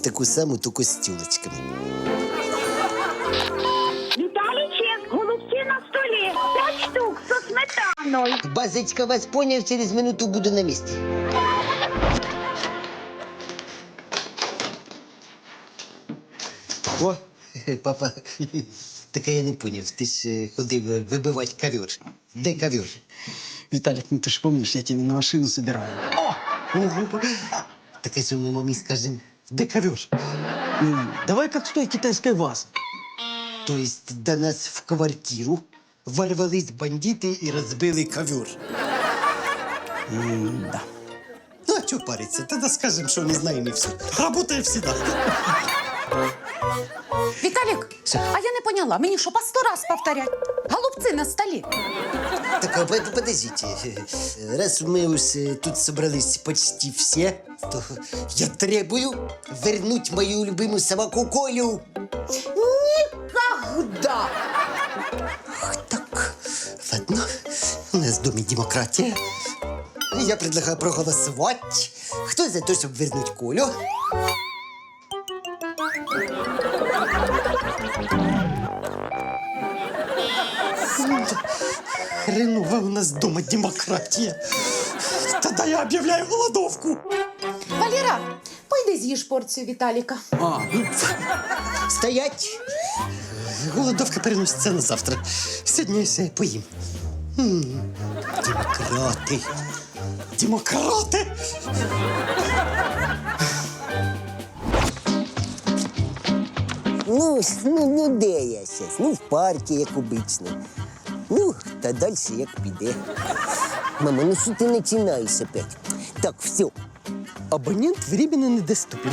таку саму, тільки з тюлечками. Виталичек, голубцы на столе. 5 штук со сметаной. Базочка, вас поняв, через минуту буду на місці. О, папа, так я не поняв, ти ж ходив вибивати ковер. Де ковер? Виталик, ну ты же помнишь, я тебе на машину собираю. Ого! Так я же мы маме скажем, де ковер? Давай как с той китайской вазы. То есть до нас в квартиру ворвались бандиты и разбили ковер. Да. Ну, а что париться? Тогда скажем, что не знаем и все. Работаем всегда. Виталик, а я не поняла, мені що по 100 раз повторять? Голубці на столі. Так, а подождите. Раз мы уж тут собрались почти все, то я требую вернуть мою любимую собаку Колю. Никогда! Ах, так, ладно. У нас в доме демократия. Я предлагаю проголосовать. Кто за то, чтобы вернуть Колю? Хреново у нас дома демократия. Тогда я объявляю голодовку. Валера, пойди з'їж порцію Віталіка. Стоять! Голодовка переносится на завтра. Сегодня я себе поим. Демократы. Демократы! Ну, де я зараз? Ну, в парку, як обично. Ну, та далі як піде. Мама, ну що ти починаєш опять? Так, все. Абонент временно недоступен.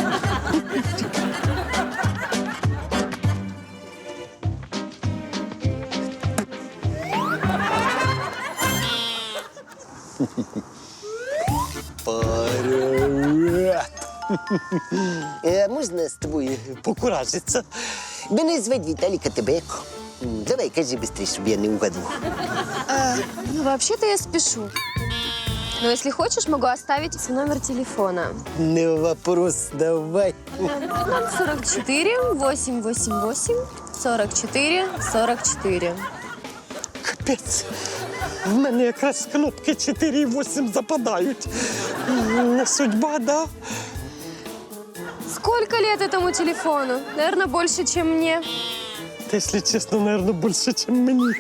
Привет! Можна з тобою покуражитися? Мене звати Віталій Катебек. Давай, кажи быстрее, чтобы я не угадал. Ну, вообще-то я спешу. Но если хочешь, могу оставить свой номер телефона. Не вопрос, давай. 44 888 44 44. Капець. В мене якраз кнопки 4 і 8 западають. Не судьба, да? Сколько лет этому телефону? Наверное, больше, чем мне. Та, якщо чесно, наверное, більше, ніж мені.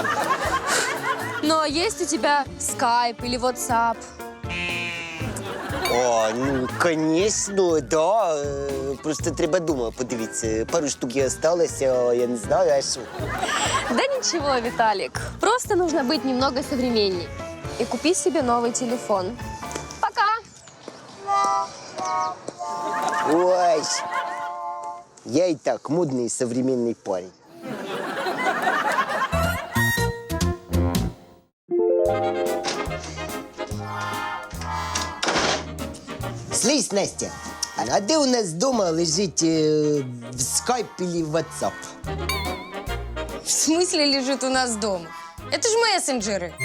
Но есть у тебя Skype или WhatsApp? О, ну, звісно, да. Просто треба дома подивитися. Пару штук і осталося, я не знаю, а що. Да ничего, Виталик. Просто нужно быть немного современней. И купи себе новый телефон. Пока! Ой, я и так модный современный парень. Слышь, Настя, а де у нас дома лежить в Skype или в WhatsApp? В смысле лежит у нас дома? Это же мессенджеры.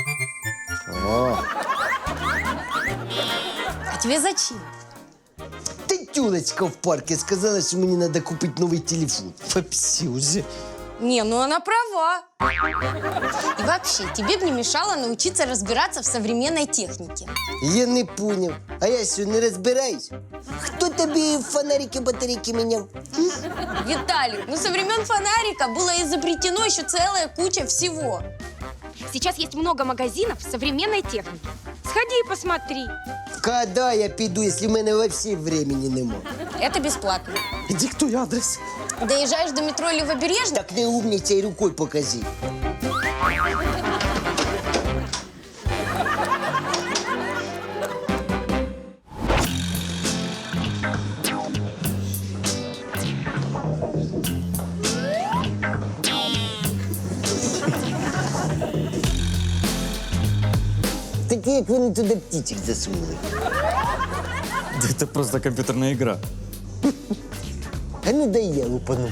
А тебе зачем? Ты тюлочка в парке сказала, что мне надо купить новый телефон. Вообще уже. Не, ну она права. И вообще, тебе бы не мешало научиться разбираться в современной технике. Я не понял. А я что, не разбираюсь? Кто тебе фонарики, батарейки менял? Виталик, ну со времен фонарика было изобретено еще целая куча всего. Сейчас есть много магазинов современной техники. Сходи и посмотри. Когда я пойду, если у меня вообще времени нема? Это бесплатно. Диктуй адрес. Доезжаешь до метро Левобережный? Так не умничай, рукой покажи. Так як вони туди птичек засунули? Это просто компьютерная игра. А ну дай я лупану.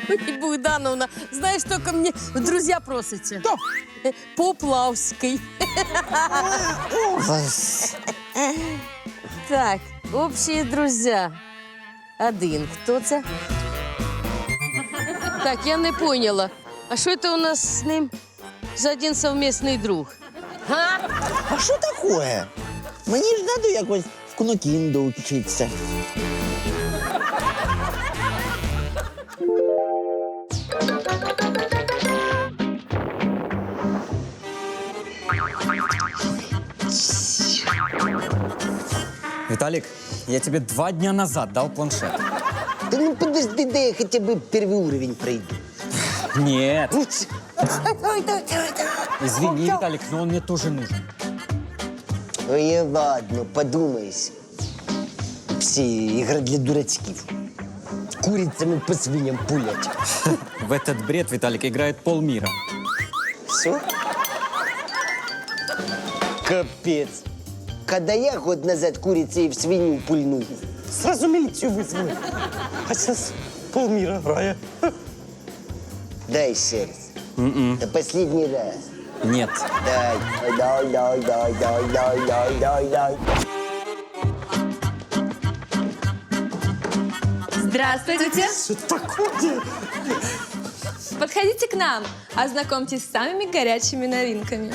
Ой, Богдановна, знаешь, только мне в друзья просите. Кто? Поплавский. Так, общие друзья. Один. Хто це? Так, я не поняла. А що це у нас з ним за один совмісний друг? А що таке? Мені ж треба якось в кнокінду вчитися. Виталик, я тебе 2 дня назад дал планшет. Да ну подожди, да я хотя бы первый уровень пройду. Нет. Извини, Виталик, но он мне тоже нужен. Ой, ладно, подумаешь. Все игра для дурачков. Курицами по свиньям пулять. В этот бред, Виталик, играет полмира. Все? Капец. Когда я год назад курицей в свинью пульнул, Сразу міліцію визвали. А зараз полміра грає. дай еще раз. Это последний раз. Нет. Дай. Здравствуйте. Подходите к нам, ознакомьтесь с самыми горячими новинками.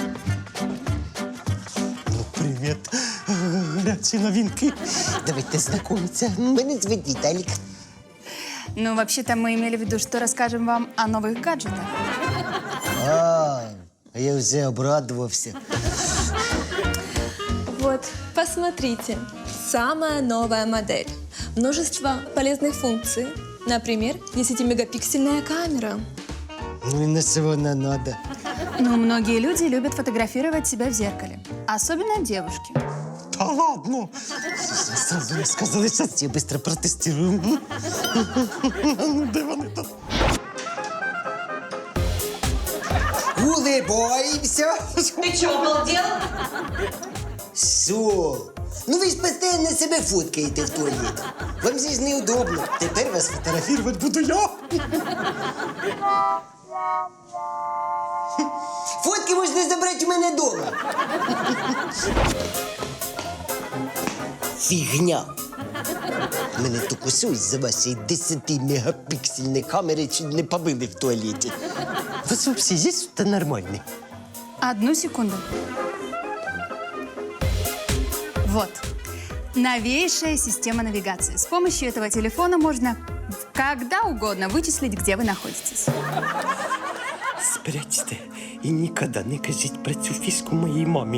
Привіт, гарячі новинки. Давайте знакомиться. Меня зовут Виталик. Ну, вообще-то мы имели в виду, что расскажем вам о новых гаджетах. А я уже обрадовался. Вот, посмотрите. Самая новая модель. Множество полезных функций. Например, 10-мегапиксельная камера. Ну и на что она надо? Ну, многие люди любят фотографировать себя в зеркале. Особенно девушки. Та ладно. Сразу не сказали, зараз Я быстро протестирую. ну, де вони там? Улыбаемся. Ты что, обалдел? Все. Ну вы же постоянно себя фоткаете в туалет. Вам здесь неудобно. Теперь вас Фотографувати буду я. фотки можно забрать у меня дома. Фигня. Мене тільки щось за вашої 10-мегапіксельної камери чуть не побили в туалеті. У вас взагалі є що-то нормальне? Одну секунду. Вот. Новейшая система навигации. С помощью этого телефона можно когда угодно вычислить, где вы находитесь. Спрячьте і ніколи не кажіть про цю фішку моїй мамі.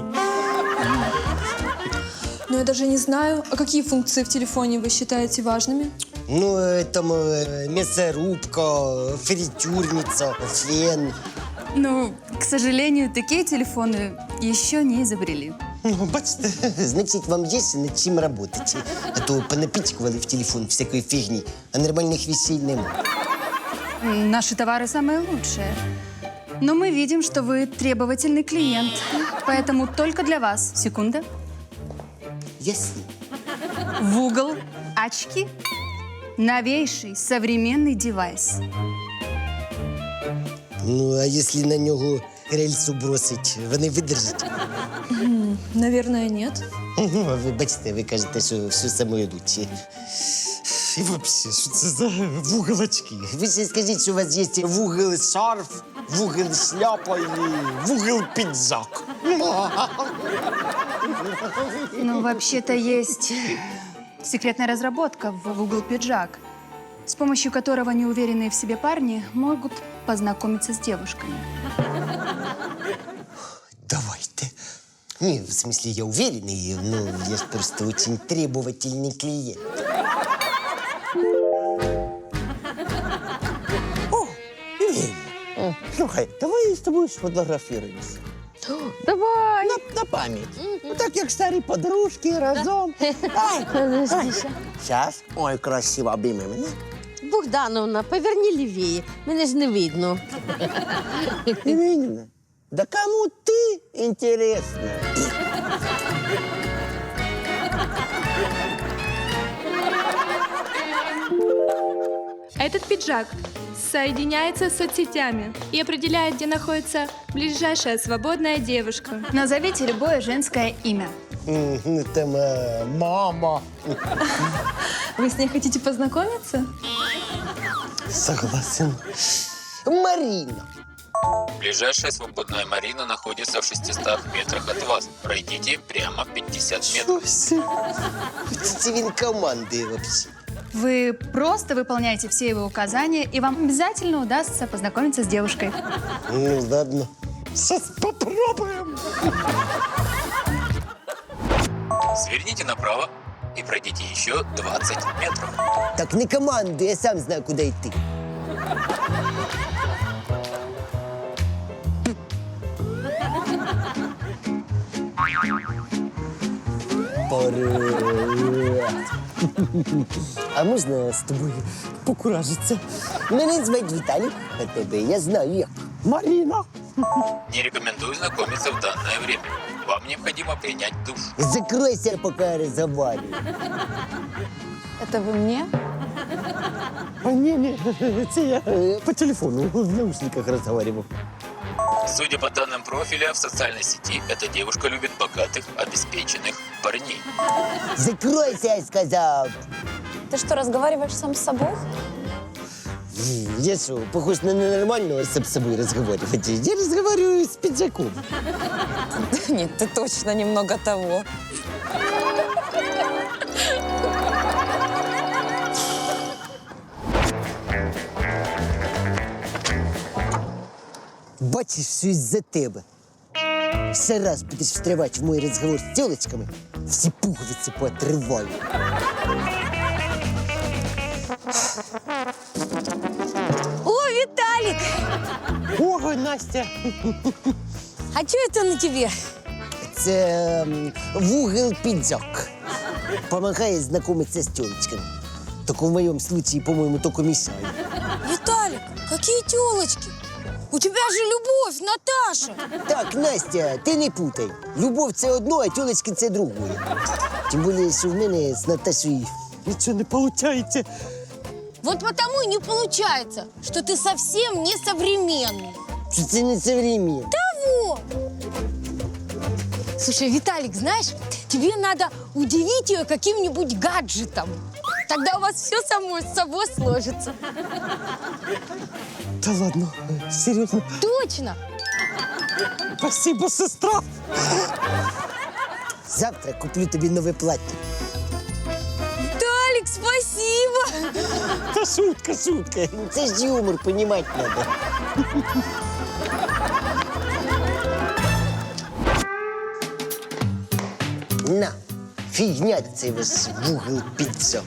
Но я даже не знаю, а какие функции в телефоне вы считаете важными? Ну, там мясорубка, фритюрница, фен. Ну, к сожалению, такие телефоны еще не изобрели. Ну, бачите, Значит, вам есть над чем работать. А то понапичкивали в телефон всякой фигни, а нормальных вещей нема. Наши товары самые лучшие. Но мы видим, что вы требовательный клиент. Поэтому только для вас. Секунда. Ясно. В угол. Очки. Новейший современный девайс. Ну, а если на нього рельсу бросить, вони видержать? Наверное, нет. Ну, а ви бачите, ви кажете, що все саме лучше. і взагалі, що це за вуголочки? Ви ще скажіть, що у вас є вугол шарф, вугол шляпа і вугол піджак. Ну, вообще-то есть секретная разработка в угол пиджак, с помощью которого неуверенные в себе парни могут познакомиться с девушками. Давайте. Не, в смысле, я уверенный, но я ж просто очень требовательный клиент. Леня, слухай, давай з тобою сфотографіруємося. Давай. На пам'ять. Так як старі подружки разом. Зараз. Ой, красиво, обійми мене. Богдановна, поверни лівіє. Мене ж не видно. Не видно. Да кому ты интересна? этот пиджак соединяется с соцсетями и определяет, где находится ближайшая свободная девушка. Назовите любое женское имя. Это мама. Вы с ней хотите познакомиться? Согласен. Марина. Ближайшая свободная Марина находится в 600 метрах от вас. Пройдите прямо 50 метров. Это він команди вообще. Вы просто выполняете все его указания, и вам обязательно удастся познакомиться с девушкой. Ну, ладно. Сейчас попробуем. Сверните направо и пройдите еще 20 метров. Так не командуй, я сам знаю, куда йти. Привет. А можна з тобою покуражитися? Мене звати Віталій, а тебе я знаю як. Марина. Не рекомендую знакомиться в данное время. Вам необходимо принять душ. Закройся, пока я разговариваю. Это вы мне? Не, це я по телефону в наушниках разговаривал. Судя по данным профиля в социальной сети, эта девушка любит богатых, обеспеченных парней. Закройся, я сказал. Ты что, разговариваешь сам с собой? Я что, похож на ненормального с собой разговаривать? Я разговариваю с пиджаком. Нет, ты точно немного того. Бачиш, все із-за тебе. Ще раз будеш встрявати в мой розговор з тілочками, всі пуговиці поотрываю. О, Виталик! Ого, Настя! А что это на тебе? Це вугол піджак. Помагає знайомитися з тілочками. Только в моем случае, по-моему, только мешает. Виталик, какие телочки? У тебя же любовь, Наташа! Так, Настя, ти не путай. Любов – це одно, а тілочки – це другое. Тим більше, що в мене з Наташею нічого не виходить. Вот потому и не получается, что ты совсем не современный. Що це не современно. Того! Слушай, Виталик, знаешь, тебе надо удивить ее каким-нибудь гаджетом. Тогда у вас все само собой сложится. Та ладно, серйозно. Точно! Спасибо, сестра. Завтра куплю тобі нове плаття. Виталик, спасибо! Та шутка, шутка. Це ж юмор, понімати треба. На, фігня цей ваш вугол піджак.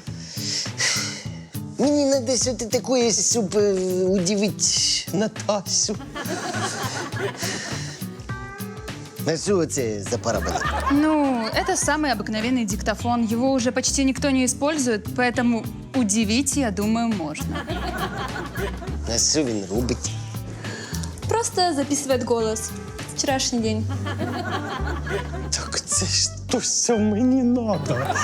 Мені треба щось таке, щоб удивити Наташу. А що це за параболик? Ну, это самый обыкновенный диктофон. Его уже почти никто не использует, поэтому удивить, я думаю, можно. А що він робить? Просто записывает голос. Вчерашний день. Так це ж то, що мені треба.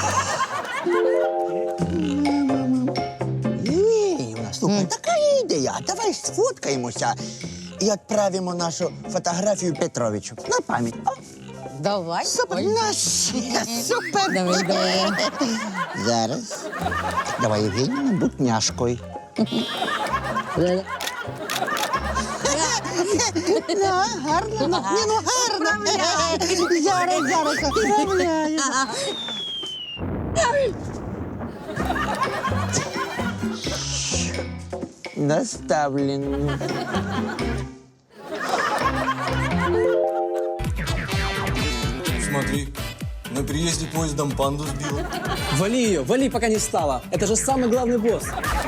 Ні, слухай, така ідея. Давай сфоткаємося і відправимо нашу фотографію Петровичу на пам'ять. О, Давай. супер, супер. Давай, давай. Зараз. Давай, Євгенія, будь няшкою. Гарно. Ні, ну гарно. Зараз, поправляю. Доставлено. Смотри, на приезде поездом панду сбила. Вали ее, вали, пока не стало. Это же самый главный босс.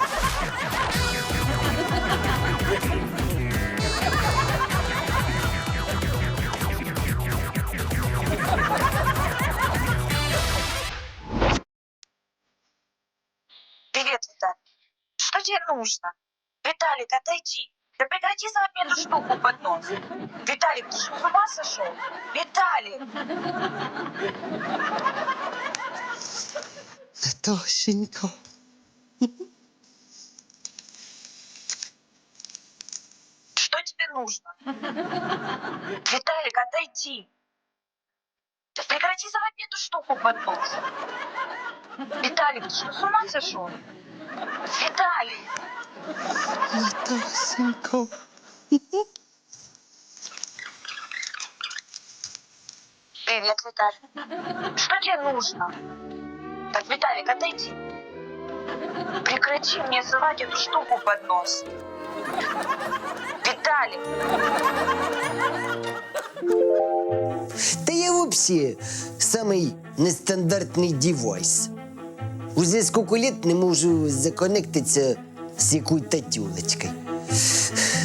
Привет, Виталик. Что тебе нужно? Виталик, отойди. Да прекрати совать мне эту штуку под нос. Виталик, ты что, с ума сошел? Виталик! Наташенька. нужно? Виталик, отойди. Да прекрати совать мне эту штуку под нос. Виталик, ты что, с ума сошел? Виталик! Привет, Виталик. Что тебе нужно? Так, Виталик, отойди. Прекрати мне совать эту штуку под нос. Виталик! Та я взагалі самий нестандартний девайс. Уже скільки лет не можу законектитися з якоюсь тюлечкою.